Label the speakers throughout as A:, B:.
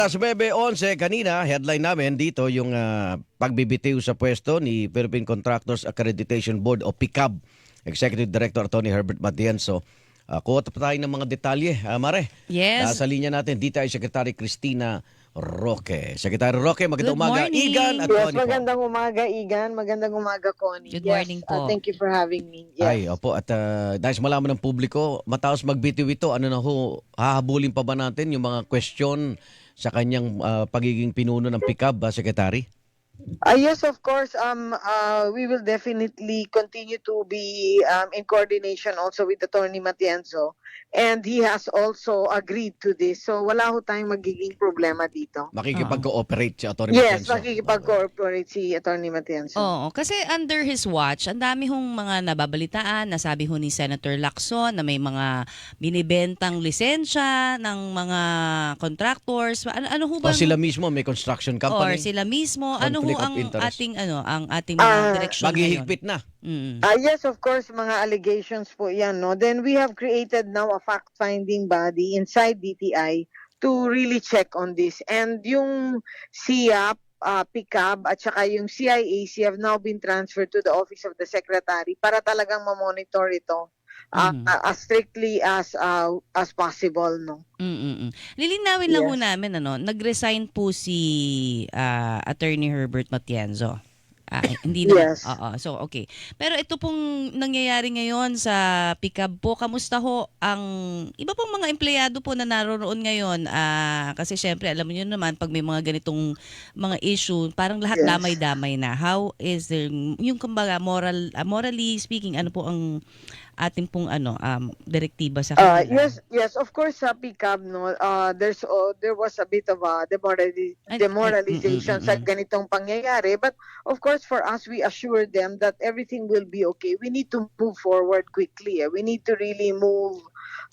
A: Alas 9:11 kanina, headline namin dito yung pagbibitiw sa pwesto ni Philippine Contractors Accreditation Board o PICAB Executive Director Attorney Herbert Matienzo. Kuha pa tayo ng mga detalye. Mare,
B: Yes.
A: sa linya natin, dito ay Secretary Cristina Roque. Secretary Roque, magandang
B: Good
A: umaga.
B: morning.
A: Igan at
C: Yes,
A: Connie po.
C: magandang umaga, Igan. Magandang umaga, Connie.
B: Good
C: Yes,
B: morning po.
C: thank you for having me.
A: Ay,
C: Yes.
A: opo. At dahil malaman ng publiko, matapos magbitiw ito, ano na ho, hahabulin pa ba natin yung mga question sa kanyang pagiging pinuno ng PICAB, Secretary?
C: Yes, of course. We will definitely continue to be in coordination also with Attorney Matienzo. And he has also agreed to this. So wala ho tayong magiging problema dito.
A: Makikipag-cooperate si Atty.
C: Yes,
A: Matienzo.
C: makikipag-cooperate si Attorney Matienzo.
B: Oo, kasi under his watch, ang dami hong mga nababalitaan. Nasabi ho ni Senator Lacson na may mga binibentang lisensya ng mga contractors. Ano ho
A: O
B: ba?
A: sila mismo may construction
B: Or
A: company.
B: sila mismo. Ano ho
A: Conflict of
B: ang
A: interest.
B: ating mga direksyon ngayon?
A: Maghihigpit na.
C: Yes, of course, mga allegations po yan. No? Then we have created now a fact-finding body inside DTI to really check on this. And yung SIAP, PICAB, at saka yung CIAC have now been transferred to the Office of the Secretary para talagang mamonitor ito as strictly as possible. No?
B: Lilinawin lang ho
C: Yes.
B: namin, nag-resign po si Attorney Herbert Matienzo. Hindi na.
C: Yes.
B: Oo. So, okay. Pero ito pong nangyayari ngayon sa PICAB po, kamusta ho ang iba pong mga empleyado po na naroon ngayon? Kasi syempre, alam niyo naman, pag may mga ganitong mga issue, parang lahat
C: Yes.
B: damay-damay na. How is there, yung kumbaga, morally speaking, ano po ang ating pong direktiba sa kanila?
C: Yes, of course sa PICAB no, there was a bit of a demoralization sa ganitong pangyayari, but of course for us we assure them that everything will be okay. We need to move forward quickly. We need to really move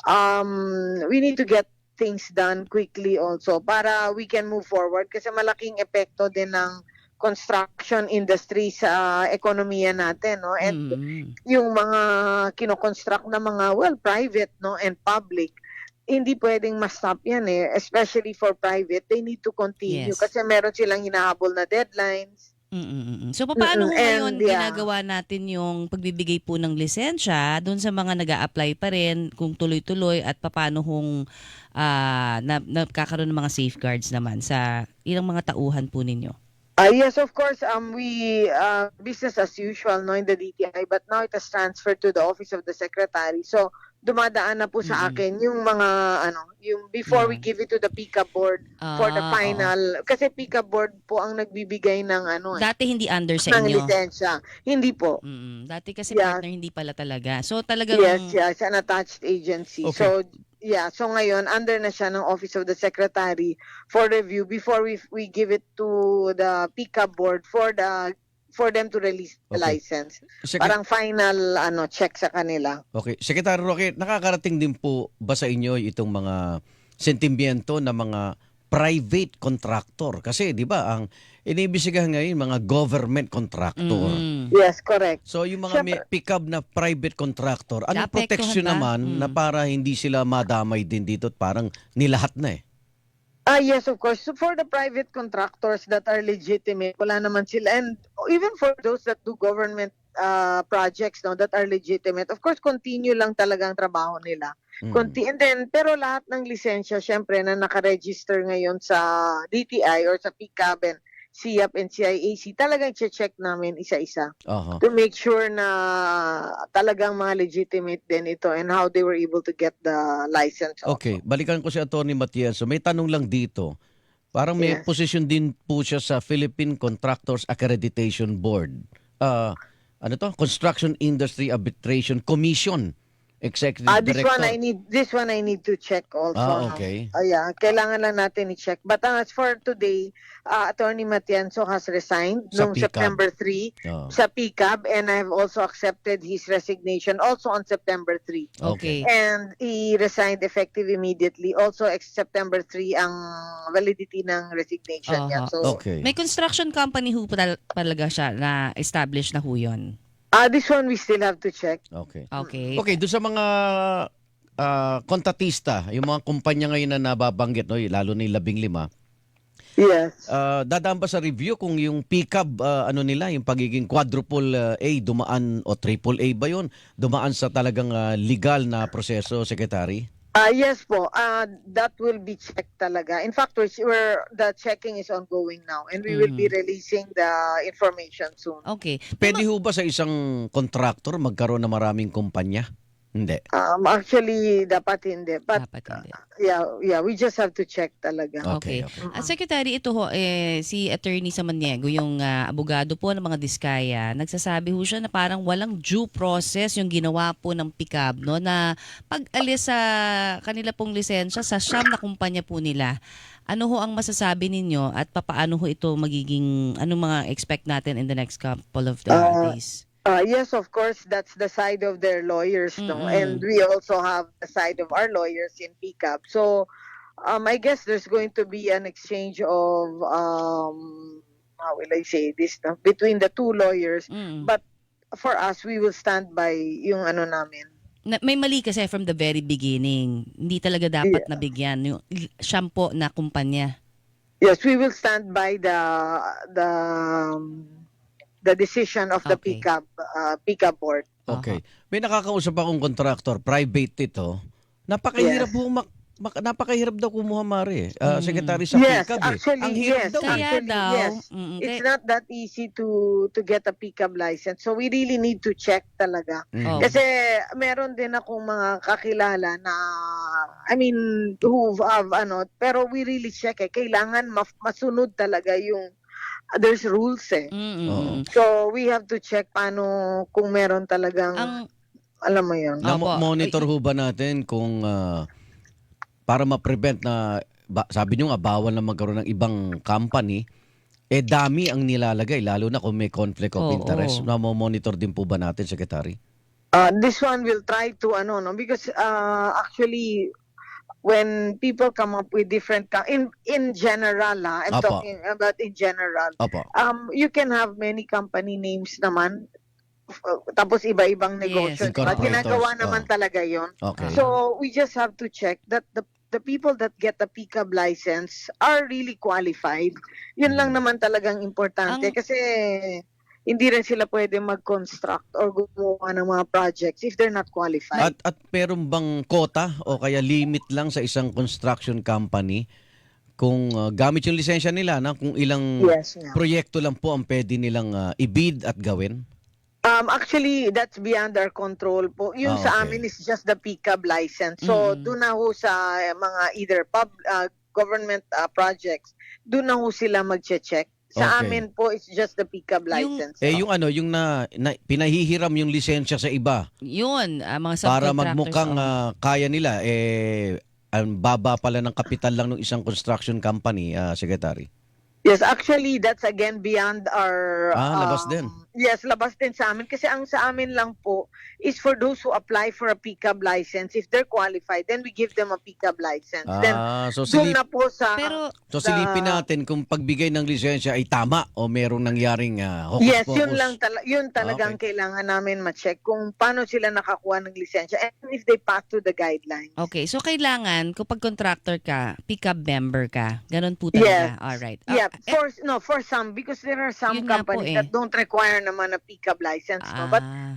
C: we need to get things done quickly also para we can move forward kasi malaking epekto din ng construction industry sa ekonomiya natin, no? And yung mga kino-construct na mga private, no, and public, hindi pwedeng ma-stop yan eh, especially for private. They need to continue
B: Yes.
C: kasi meron silang hinahabol na deadlines.
B: So paano ho ngayon
C: And, yeah.
B: ginagawa natin yung pagbibigay po ng lisensya doon sa mga nag-a-apply pa rin kung tuloy-tuloy at paano hong nagkakaroon ng mga safeguards naman sa ilang mga tauhan po ninyo?
C: Yes, of course, we business as usual no in the DTI, but now it has transferred to the Office of the Secretary. So dumadaan na po sa akin yung mga yung before we give it to the PICAB board for the final kasi PICAB board po ang nagbibigay ng
B: Dati hindi under sa
C: ng
B: inyo.
C: lisensya. Hindi po.
B: Dati kasi
C: Yeah.
B: partner hindi pala talaga. So talagang
C: Yes, an attached agency.
A: Okay.
C: So so ngayon under na siya ng Office of the Secretary for review before we give it to the PICAB board for them to release the
A: Okay.
C: license. Parang final check sa kanila.
A: Okay. Secretary Roque, nakakarating din po ba sa inyo itong mga sentimiento ng mga private contractor? Kasi 'di ba ang inibisigahan ngayon mga government contractor.
C: Yes, correct.
A: So yung mga may pick-up na private contractor, ano
B: Naapektuhan
A: protection
B: ba?
A: naman na para hindi sila madamay din dito at parang nilahat na eh?
C: Yes, of course. So for the private contractors that are legitimate, wala naman sila. And even for those that do government projects that are legitimate, of course, continue lang talaga ang trabaho nila. And then, pero lahat ng lisensya, syempre, na nakaregister ngayon sa DTI or sa PICAB and SIAP and CIAC, talagang check namin isa-isa
A: Aha.
C: to make sure na talagang mga legitimate din ito and how they were able to get the license.
A: Okay, balikan ko si Atty. Matienzo. May tanong lang dito. Parang may
C: Yes.
A: position din po siya sa Philippine Contractors Accreditation Board. Ano to? Construction Industry Arbitration Commission. Executive
C: This
A: Director.
C: one I need to check also. no?
A: Okay.
C: Yeah, kailangan lang natin i-check. But as for today, Attorney Matienzo has resigned
A: Sa
C: noong
A: PICAB.
C: September 3
A: Oh.
C: sa PICAB, and I have also accepted his resignation also on September 3.
B: Okay.
C: And he resigned effective immediately. Also, September 3 ang validity ng resignation niya.
B: Aha.
C: So,
A: Okay.
B: May construction company ho talaga siya na established na ho yun.
C: this one we still have to check.
A: Okay.
B: Okay.
A: Okay, doon sa mga kontratista, yung mga kumpanya ngayon na nababanggit, no, lalo na yung 15,
C: Yes.
A: Dadaan ba sa review kung yung pickup ano nila, yung pagiging quadruple A dumaan o triple A ba yun? Dumaan sa talagang legal na proseso, Secretary?
C: Yes po. That will be checked talaga. In fact, the checking is ongoing now and we will be releasing the information soon.
B: Okay.
A: Pwede ho ba sa isang contractor magkaroon ng maraming kumpanya? Hindi.
C: Actually, dapat hindi. But
B: Dapat hindi.
C: yeah, we just have to check talaga.
A: Okay.
B: Secretary, ito ho, si Attorney Samaniego, yung abogado po ng mga Diskaya, nagsasabi ho siya na parang walang due process yung ginawa po ng pickup, no, na pag-alis sa kanila pong lisensya sa siyam na kumpanya po nila. Ano ho ang masasabi ninyo at papaano ho ito magiging, ano mga expect natin in the next couple of days?
C: Yes, of course, that's the side of their lawyers, no? And we also have the side of our lawyers in PCAP. So, I guess there's going to be an exchange of, how will I say this, no? Between the two lawyers. But for us, we will stand by yung ano namin.
B: May mali kasi from the very beginning. Hindi talaga dapat nabigyan yung shampoo na kumpanya.
C: Yes, we will stand by the decision of the PCAP board.
A: Okay. May nakakausap akong contractor, private ito. Napakahirap napakahirap daw kumuha, Mare. Secretary sa PCAP.
C: Actually,
A: Ang hirap daw.
C: Yes. It's not that easy to get a PCAP license. So we really need to check talaga. Kasi meron din akong mga kakilala na, I mean, who have pero we really check kailangan masunod talaga yung there's rules So we have to check paano kung meron talagang alam mo yun.
A: Monitor ho ba natin kung para ma-prevent na sabi nyo nga bawal na magkaroon ng ibang company, dami ang nilalagay lalo na kung may conflict of interest. Monitor din po ba natin, Secretary?
C: This one will try to because actually when people come up with different in general, I'm talking about in general. You can have many company names naman. Tapos iba-ibang negosyo. Ginagawa naman talaga yon. So we just have to check that the people that get the PCAB license are really qualified. Yun lang naman talagang importante kasi hindi rin sila pwede mag-construct or gumawa ng mga projects if they're not qualified.
A: At meron bang quota o kaya limit lang sa isang construction company kung gamit yung lisensya nila na kung ilang proyekto lang po ang pwede nilang i-bid at gawin?
C: Actually, that's beyond our control po. Yung sa amin is just the PCAB license. So, doon na ho sa mga either government projects, doon na ho sila mag-check. Sa amin po, it's just the PCAB license.
A: Yung pinahihiram yung lisensya sa iba.
B: Yun, mga subcontractors.
A: Para magmukhang kaya nila, ang baba pala ng kapital lang ng isang construction company, Secretary.
C: Yes, actually, that's again beyond our...
A: labas din.
C: Yes, labas din sa amin. Kasi ang sa amin lang po is for those who apply for a PCAB license. If they're qualified, then we give them a PCAB license. Then,
A: so
C: na po sa...
A: silipin natin kung pagbigay ng lisensya ay tama o merong nangyaring hokus-pokus.
C: Yes, yun talagang kailangan namin ma-check kung paano sila nakakuha ng lisensya and if they pass to the guidelines.
B: Okay, so kailangan kapag contractor ka, PCAB member ka. Ganun po talaga.
C: Yes.
B: Alright.
C: Yeah, for some, because there are some companies that don't require naman a PCAB license. No?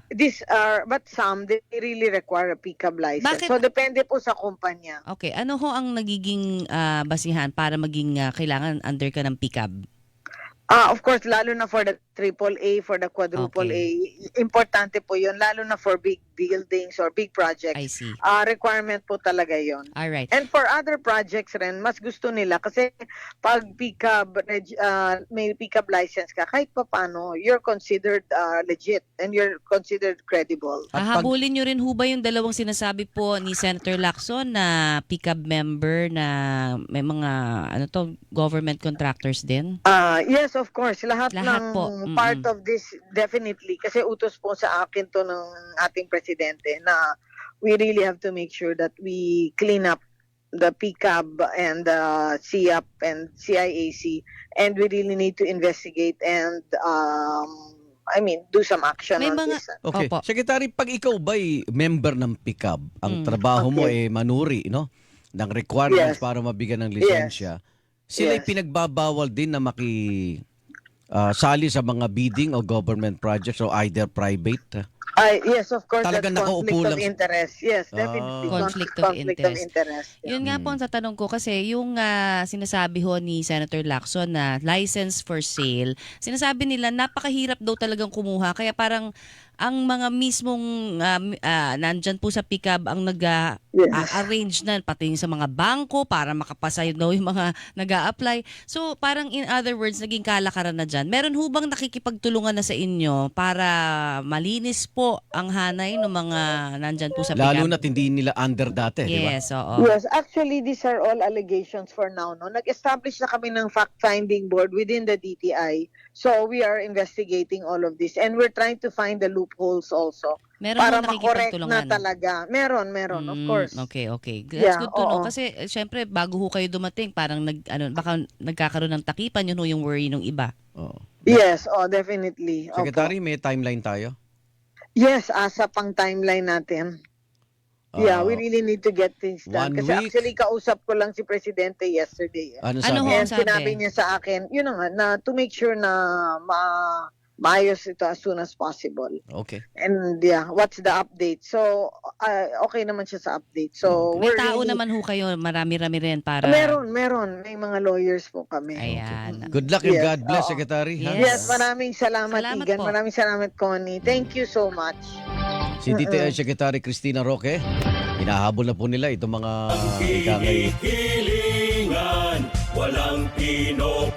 C: But some, they really require a PCAB license. So, depende po sa kumpanya.
B: Okay, ano ho ang nagiging basihan para maging kailangan under ka ng PCAB?
C: Of course, lalo na for the AAA, for the quadruple A, importante po yun, lalo na for big buildings or big projects.
B: I see.
C: Requirement po talaga yun.
B: Alright.
C: And for other projects rin, mas gusto nila kasi pag may PCAB license ka, kahit pa paano, you're considered legit and you're considered credible.
B: Hahabulin nyo rin ho ba yung dalawang sinasabi po ni Senator Lacson na PCAB member na may mga government contractors din?
C: Yes, of course. Lahat ng
B: po.
C: Part of this, definitely. Kasi utos po sa akin to ng ating presidente na we really have to make sure that we clean up the PCAB and the CIAP and CIAC and we really need to investigate and do some action on this.
A: Okay. Secretary, pag ikaw ba'y member ng PCAB, ang trabaho mo ay manuri, no? Ng requirements para mabigyan ng lisensya. Sila'y
C: Yes.
A: pinagbabawal din na sali sa mga bidding o government projects o either private.
C: Yes, of course,
A: Talagang
C: that's
A: nakaupo
C: conflict of
A: lang-
C: interest. Yes,
A: Ah.
C: definitely.
B: Conflict of
C: Conflict of
B: interest.
C: interest. Yeah.
B: Yun nga po ang tatanong ko kasi yung sinasabi ho ni Senator Lacson na license for sale, sinasabi nila napakahirap daw talagang kumuha kaya parang ang mga mismong nandyan po sa PICAB ang
C: Yes.
B: arrange na pati sa mga bangko para makapasa daw yung mga nag-a-apply. So parang in other words, naging kalakaran na dyan. Meron ho bang nakikipagtulungan na sa inyo para malinis po ang hanay ng mga nandyan po sa PICAB?
A: Lalo na't hindi nila under dati, di ba?
B: Yes, oo.
C: Yes, actually, these are all allegations for now. No? Nag-establish na kami ng fact-finding board within the DTI. So we are investigating all of this. And we're trying to find the loopholes also.
B: Meron
C: Para
B: mo
C: makorek na
B: nakikipagtulungan.
C: talaga. Meron, of course.
B: Okay. That's
C: Yeah,
B: good to know.
C: oo.
B: Kasi syempre, bago ho kayo dumating, parang baka nagkakaroon ng takipan, yun ho yung worry ng iba.
A: Oo.
C: Yes, definitely. Opo.
A: Secretary, may timeline tayo?
C: Yes, asa pang timeline natin. Yeah, we really need to get things done.
A: 1
C: Kasi
A: week?
C: actually, kausap ko lang si Presidente yesterday.
A: Ano
B: Ano ho
A: sabi?
B: ang
C: And
B: sabi?
C: sinabi niya sa akin, yun na nga, na to make sure na maayos ito as soon as possible.
A: Okay.
C: And yeah, what's the update? So, okay naman siya sa update. So,
B: May
C: we're
B: tao
C: really-
B: naman ho kayo, marami-rami rin para...
C: Meron. May mga lawyers po kami.
B: Ayan.
A: Good luck and
C: Yes,
A: God bless,
C: oo.
A: Secretary. ha?
B: Yes.
C: Yes, maraming salamat,
B: Salamat
C: Igan.
B: po.
C: Maraming salamat, Connie. Thank you so much.
A: Si DTI Secretary Cristina Roque, hinahabol na po nila itong mga ikangay
D: Hilingan, walang pinop